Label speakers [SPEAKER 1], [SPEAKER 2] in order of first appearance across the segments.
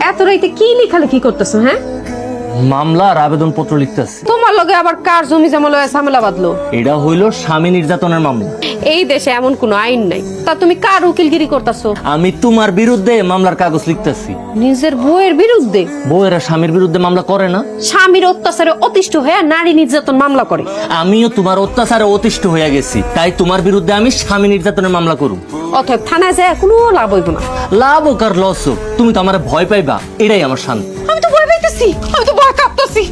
[SPEAKER 1] এত রাইতে কি লেখালেখি করতেছো? হ্যাঁ,
[SPEAKER 2] মামলার আবেদন পত্র লিখতেছি।
[SPEAKER 1] তোমার লগে আবার কার জমি জমা লয়ে ঝামেলা বাঁধলো?
[SPEAKER 2] এটা হইল স্বামী নির্যাতনের মামলা।
[SPEAKER 1] এই দেশে এমন কোনো আইন নাই, তা তুমি কার উকিলগিরি করতেছো?
[SPEAKER 2] আমি তোমার বিরুদ্ধে মামলার কাগজ লিখতেছি।
[SPEAKER 1] নিজের বউয়ের বিরুদ্ধে?
[SPEAKER 2] বউয়েরা স্বামীর বিরুদ্ধে মামলা করে না?
[SPEAKER 1] স্বামীর অত্যাচারে অতিষ্ঠ হয়ে নারী নির্যাতন মামলা করে।
[SPEAKER 2] আমিও তোমার অত্যাচারে অতিষ্ঠ হয়ে গেছি, তাই তোমার বিরুদ্ধে আমি স্বামী নির্যাতনের মামলা করব।
[SPEAKER 1] অতএব থানায় যায় কোনো লাভ হইব না।
[SPEAKER 2] লাভ হোক আর লস হোক, তুমি তো আমার ভয় পাইবা, এটাই আমার শান্তি।
[SPEAKER 1] আমি তো ভয় পাইতেছি, আমি তো ভয় কাঁপতেছি।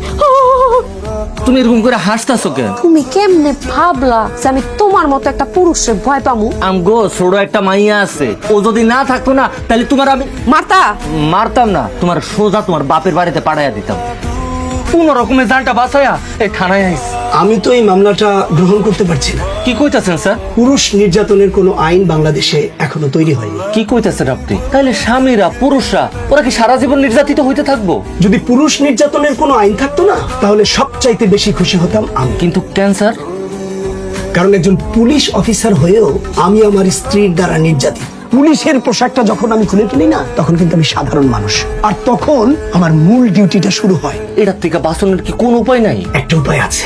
[SPEAKER 2] তুমি এরকম করে হাসতাছো কেন?
[SPEAKER 1] তুমি কেমনে ভাবলা যে আমি তোমার মতো একটা পুরুষের ভয় পামু?
[SPEAKER 2] আমগো ছোট একটা মাইয়া আছে, ও যদি না থাকতো না তাহলে তোমার আমি
[SPEAKER 1] মারতা?
[SPEAKER 2] মারতাম না, তোমার সোজা তোমার বাপের বাড়িতে পাঠাইয়া দিতাম। কোন রকমের জানটা বাঁচাইয়া এই থানায় আইছি।
[SPEAKER 3] আমি তো এই মামলাটা গ্রহণ করতে পারছি না।
[SPEAKER 2] কি কইতাছেন স্যার?
[SPEAKER 3] পুরুষ নির্যাতনের কোনো আইন বাংলাদেশে এখনো তৈরি হয়নি।
[SPEAKER 2] কি কইতাছেন আপনি? তাহলে স্বামীরা পুরুষরা ওরা কি সারা জীবন নির্যাতিত হইতে থাকবো?
[SPEAKER 3] যদি পুরুষ নির্যাতনের কোনো আইন থাকতো না, তাহলে সবচাইতে বেশি খুশি হতাম আমি।
[SPEAKER 2] কিন্তু ক্যান্সার,
[SPEAKER 3] কারণ একজন পুলিশ অফিসার হয়েও আমি আমার স্ত্রীর দ্বারা নির্যাতিত। পুলিশের পোশাকটা যখন আমি খুলে ফেলি না, তখন কিন্তু আমি সাধারণ মানুষ, আর তখন আমার মূল ডিউটিটা শুরু হয়।
[SPEAKER 2] এটার থেকে বাঁচানোর কি কোনো উপায় নাই?
[SPEAKER 3] একটা উপায় আছে।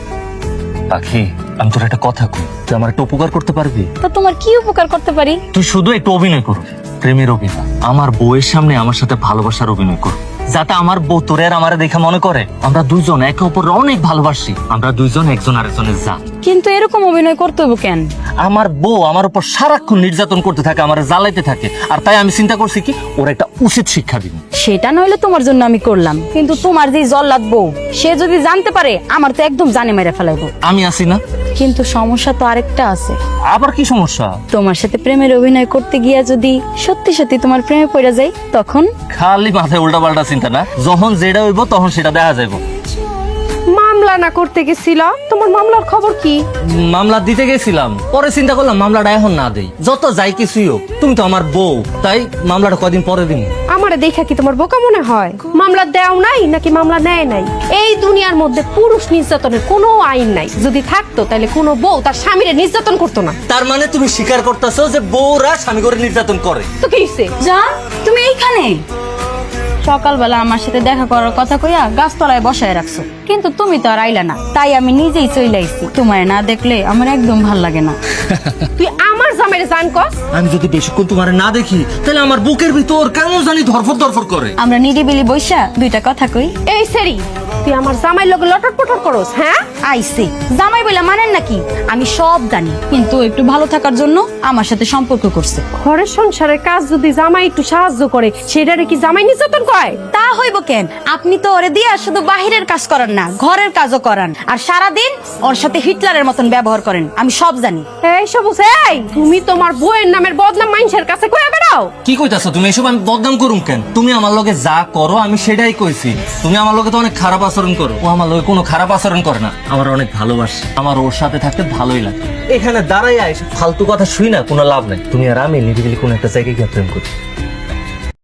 [SPEAKER 2] পাখি, আমি তোর একটা কথা কই, তুই আমার একটা উপকার করতে পারবি?
[SPEAKER 4] তো তোমার কি উপকার করতে পারি?
[SPEAKER 2] তুই শুধু একটু অভিনয় করবি, প্রেমের অভিনয়। আমার বউয়ের সামনে আমার সাথে ভালোবাসার অভিনয় কর, যাতে আমার বউ তোরে আর আমারে দেখে মনে করে আমরা দুইজন একে অপরকে অনেক ভালোবাসি, আমরা দুইজন একজন আরেকজনের যা।
[SPEAKER 4] কিন্তু এরকম অভিনয় করতে হবে কেন?
[SPEAKER 2] আমার বউ আমার উপর সারাক্ষণ নির্যাতন করতে থাকে, আমার জ্বালাইতে থাকে, আর তাই আমি চিন্তা করছি কি ওর একটা উচিত শিক্ষা দিব।
[SPEAKER 4] সেটা নইলে তোমার জন্য আমি করলাম, কিন্তু তোমার যে জল্লাদ বউ, সে যদি জানতে পারে আমার তো একদম জানে মেরে ফেলাইবো।
[SPEAKER 2] আমি আছি না?
[SPEAKER 4] কিন্তু সমস্যা তো আরেকটা আছে।
[SPEAKER 2] আবার কি সমস্যা?
[SPEAKER 4] তোমার সাথে প্রেমের অভিনয় করতে গিয়া যদি সত্যি সত্যি তোমার প্রেমে পড়ে যাই, তখন?
[SPEAKER 2] খালি মাথায় উল্টা পাল্টা চিন্তা না, যখন যেটা হইব তখন সেটা দেখা যাইব।
[SPEAKER 1] মামলা না করতে গেছিল? তোমার মামলার খবর কি?
[SPEAKER 2] মামলা দিতে গেছিলাম, পরে চিন্তা করলাম মামলাটা এখন না দেই, যত যাই কিছুই হোক তুমি তো আমার বউ, তাই মামলাটা কয়দিন পরে দিন।
[SPEAKER 1] আমারে দেখা কি তোমার বোকা মনে হয়? মামলা দেও নাই নাকি মামলা নেয় নাই? এই দুনিয়ার মধ্যে পুরুষ নির্যাতনের কোনো আইন নাই। যদি থাকতো তাহলে কোনো বউ তার স্বামীরে নির্যাতন করতো না।
[SPEAKER 2] তার মানে তুমি স্বীকার করতেছো যে বউরা স্বামী করে নির্যাতন করে?
[SPEAKER 1] তো কি হইছে?
[SPEAKER 4] জান, তুমি এইখানে? সকালবেলা আমার সাথে দেখা করার কথা কইয়া গাছতলায় বসায় রাখছো, কিন্তু তুমি তো আর আইলা না, তাই আমি নিজেই চলে আইছি। তোমায় না দেখলে আমার একদম ভাল লাগে না।
[SPEAKER 1] তুই আমার জামাইরে জান কস?
[SPEAKER 2] আমি যদি বেশিক্ষণ তোমার না দেখি তাহলে আমার বুকের ভিতর কেমন জানি ধরফর ধরফর করে।
[SPEAKER 4] আমরা নিরিবিলি বইসা দুইটা কথা কই।
[SPEAKER 1] এই সেরি, তুই আমার জামাই লগে লটর পটর করস? হ্যাঁ,
[SPEAKER 4] আইছে জামাই বলে মানেন নাকি? আমি সব জানি, কিন্তু একটু ভালো থাকার জন্য আমার সাথে সম্পর্ক করছে।
[SPEAKER 1] ঘরের সংসারের কাজ যদি জামাই একটু সাহায্য করে, সেটারে কি জামাই নির্যাতন কয়?
[SPEAKER 4] তা হইব কেন? আপনি তো ওরে দিয়া শুধু বাহিরের কাজ করান না, ঘরের কাজও করান, আর সারাদিন ওর সাথে হিটলারের মতন ব্যবহার করেন। আমি সব জানি।
[SPEAKER 1] এই সবুজ, এই তুমি তোমার বউয়ের নামের বদনাম মানুষের কাছে কইয়া বেড়াও।
[SPEAKER 2] কি কইতাছো তুমি এসব? আমি বদনাম করুম কেন? তুমি আমার লগে যা করো আমি সেটাই কইছি। তুমি আমার লগে তো অনেক খারাপ আচরণ করো, ও আমার লগে কোনো খারাপ আচরণ করে না, আমার অনেক ভালোবাসে, আমার ওর সাথে থাকতে ভালোই লাগে। এখানে দাঁড়াইয়া এসব ফালতু কথা শুই না, কোনো লাভ নাই। তুমি আর আমি নিরিবিলি কোন একটা জায়গায় গিয়ে প্রেম করি।